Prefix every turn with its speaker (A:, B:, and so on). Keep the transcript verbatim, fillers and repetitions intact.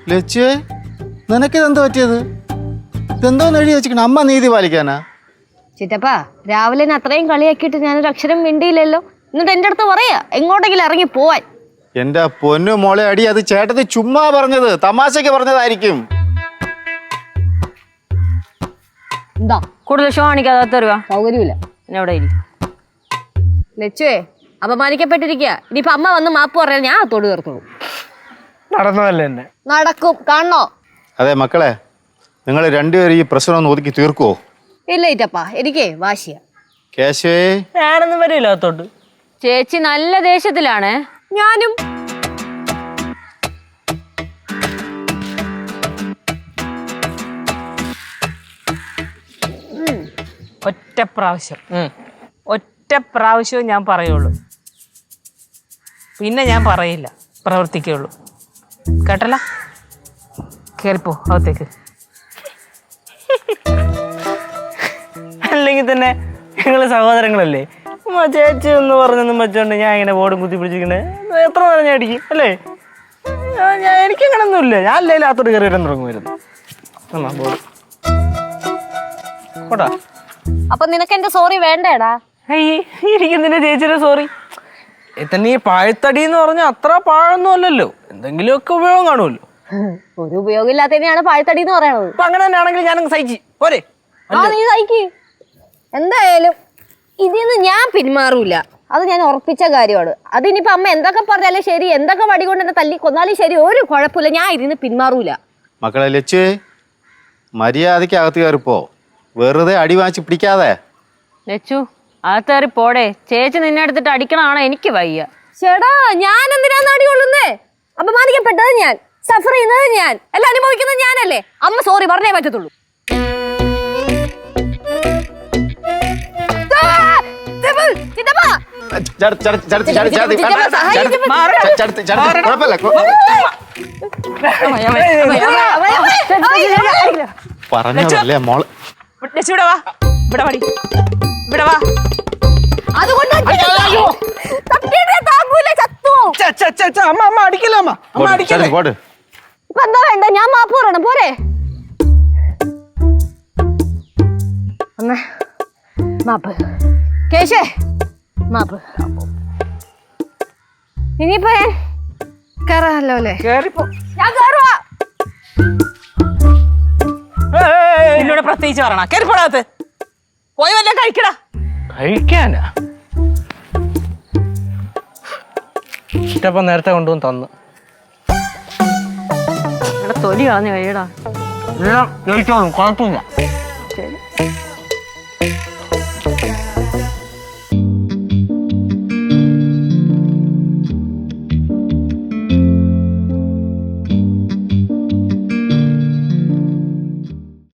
A: ലച്ചുവേ നിനക്കിതെന്ത് പറ്റിയത്? ഇതെന്തോന്ന് എഴുതി വെച്ചിരിക്കണ? അമ്മ നീതി പാലിക്കാനാ?
B: ചിറ്റപ്പ രാവിലെ അത്രയും കളിയാക്കിയിട്ട് ഞാനൊരു അക്ഷരം മിണ്ടിയില്ലല്ലോ. എന്നിട്ട് എൻ്റെ അടുത്ത് പറയാ എങ്ങോട്ടെങ്കിലും ഇറങ്ങി പോവാൻ.
A: എന്റെ പൊന്നു മോളെ അടി, അത് ചേട്ടത്തി ചുമ്മാ പറഞ്ഞത്, തമാശക്ക് പറഞ്ഞതായിരിക്കും.
B: എന്താ
C: കൂടുതൽ ഷോ കാണിക്കാതെ തരുവാ?
B: സൗകര്യമില്ല.
C: പിന്നെ അവിടെ ഇല്ല.
B: ലച്ചുവേ അപമാനിക്കപ്പെട്ടിരിക്കുക. ഇനിയിപ്പൊ അമ്മ വന്ന് മാപ്പ് പറയാൻ ഞാൻ തൊടു തീർത്തോളൂ.
D: നടന്നതല്ലേ എന്നെ
B: നടക്കും, കാണണോ?
A: അതെ മക്കളെ, നിങ്ങൾ രണ്ടുപേരും ഈ പ്രശ്നം ഒന്ന് ഒതുക്കി തീർക്കുവോ?
B: ഇല്ല ഇറ്റപ്പ, എനിക്ക് വാശിയ.
A: കേശവേ
D: ഞാനൊന്നും വരില്ല അകത്തോട്ട്.
C: ചേച്ചി നല്ല ദേഷ്യത്തിലാണ്.
B: ഞാനും.
C: ഒറ്റ പ്രാവശ്യം ഒറ്റ പ്രാവശ്യവും ഞാൻ പറയുള്ളൂ, പിന്നെ ഞാൻ പറയില്ല, പ്രവർത്തിക്കുള്ളൂ. കേട്ടല്ല? കേറിപ്പോ അകത്തേക്ക്.
D: അല്ലെങ്കിൽ തന്നെ ഞങ്ങള് സഹോദരങ്ങളല്ലേ. ചേച്ചി എന്ന് പറഞ്ഞൊന്നും വെച്ചോണ്ട് ഞാൻ ഇങ്ങനെ ബോർഡും കുത്തി പിടിച്ചിരിക്കണേ എത്ര നേരം ഞാൻ അടിക്കും അല്ലേ? ഞാൻ എനിക്കങ്ങനൊന്നുമില്ല. ഞാൻ അല്ലേ അകത്തോട്ട് കയറി വരാൻ തുടങ്ങുമായിരുന്നു. ബോർഡ് കോട്ടാ.
B: അപ്പൊ നിനക്ക് എന്റെ സോറി വേണ്ടേടാ?
D: ഇരിക്കുന്നതിന്റെ ചേച്ചിയുടെ സോറി. തന്നെ ഈ പാഴ്ത്തടി എന്ന് പറഞ്ഞാൽ അത്ര പാഴൊന്നും അല്ലല്ലോ, എന്തെങ്കിലുമൊക്കെ ഉപയോഗം കാണുമല്ലോ.
B: ഒരു ഉപയോഗം ഇല്ലാത്തതിനെയാണ് പാഴ്ത്തടി എന്ന് പറയണത്.
D: അപ്പൊ അങ്ങനെ തന്നെ ആണെങ്കിൽ ഞാനങ്ങ് സഹിച്ച് പോരെ.
B: ആ നീ സഹിക്ക്. എന്തായാലും ഇതിന്ന് ഞാൻ പിന്മാറൂല, അത് ഞാൻ ഉറപ്പിച്ച കാര്യമാണ്. അതിനിപ്പോ അമ്മ എന്തൊക്കെ പറഞ്ഞാലും ശരി, എന്തൊക്കെ വടി കൊണ്ട് എന്നെ തല്ലി കൊന്നാലും ശരി, ഒരു കുഴപ്പമില്ല, ഞാൻ ഇതിന്ന് പിന്മാറൂല.
A: മക്കളെ ലച്ചു, മര്യാദയ്ക്ക് അകത്ത് കയറിപ്പോ, വെറുതെ അടി വാങ്ങിച്ച് പിടിക്കാതെ.
C: ലച്ചു അകത്തേറി പോടെ. ചേച്ചി നിന്നെ എടുത്തിട്ട് അടിക്കണാണോ? എനിക്ക് വയ്യ.
B: ചേടാ ഞാൻ എന്തിനാന്ന് അടി കൊള്ളുന്നേ? അപമാനിക്കപ്പെട്ടത് ഞാൻ, സഫർ ചെയ്യുന്നത് ഞാൻ, എല്ലാം അനുഭവിക്കുന്നത് ഞാനല്ലേ. അമ്മ സോറി പറഞ്ഞേ പറ്റത്തുള്ളൂ.
A: പറഞ്ഞല്ലേ മോള്.
C: ഇവിടെ വാ, ഇവിടെ വാടി, ഇവിടെ വാ.
D: അമ്മ അമ്മ അടിക്കില്ല അമ്മ അമ്മ അടിക്കല്ലേ.
B: ഇപ്പൊ എന്താ വേണ്ട? ഞാൻ മാപ്പ് പറയണം പോരെ? മാപ്പ് കേശേ, മാപ്പ്. ഇനിയിപ്പോ ഞാൻ കേറാമല്ലോ അല്ലേ? ഞാൻ കേറുവാ.
C: എന്നോട് പ്രത്യേകിച്ച് പറയണ കേറിപ്പോടാത്ത് പോയി വല്ല കഴിക്കടാ.
D: കഴിക്കാനാ? ഇഷ്ടപ്പം നേരത്തെ കൊണ്ടുവന്ന് തന്നു.
C: ഇവിടെ തൊലി കളഞ്ഞു കഴിയടാ.
D: എല്ലാം കഴിച്ചോളും, കുഴപ്പമില്ല.
C: ശരി.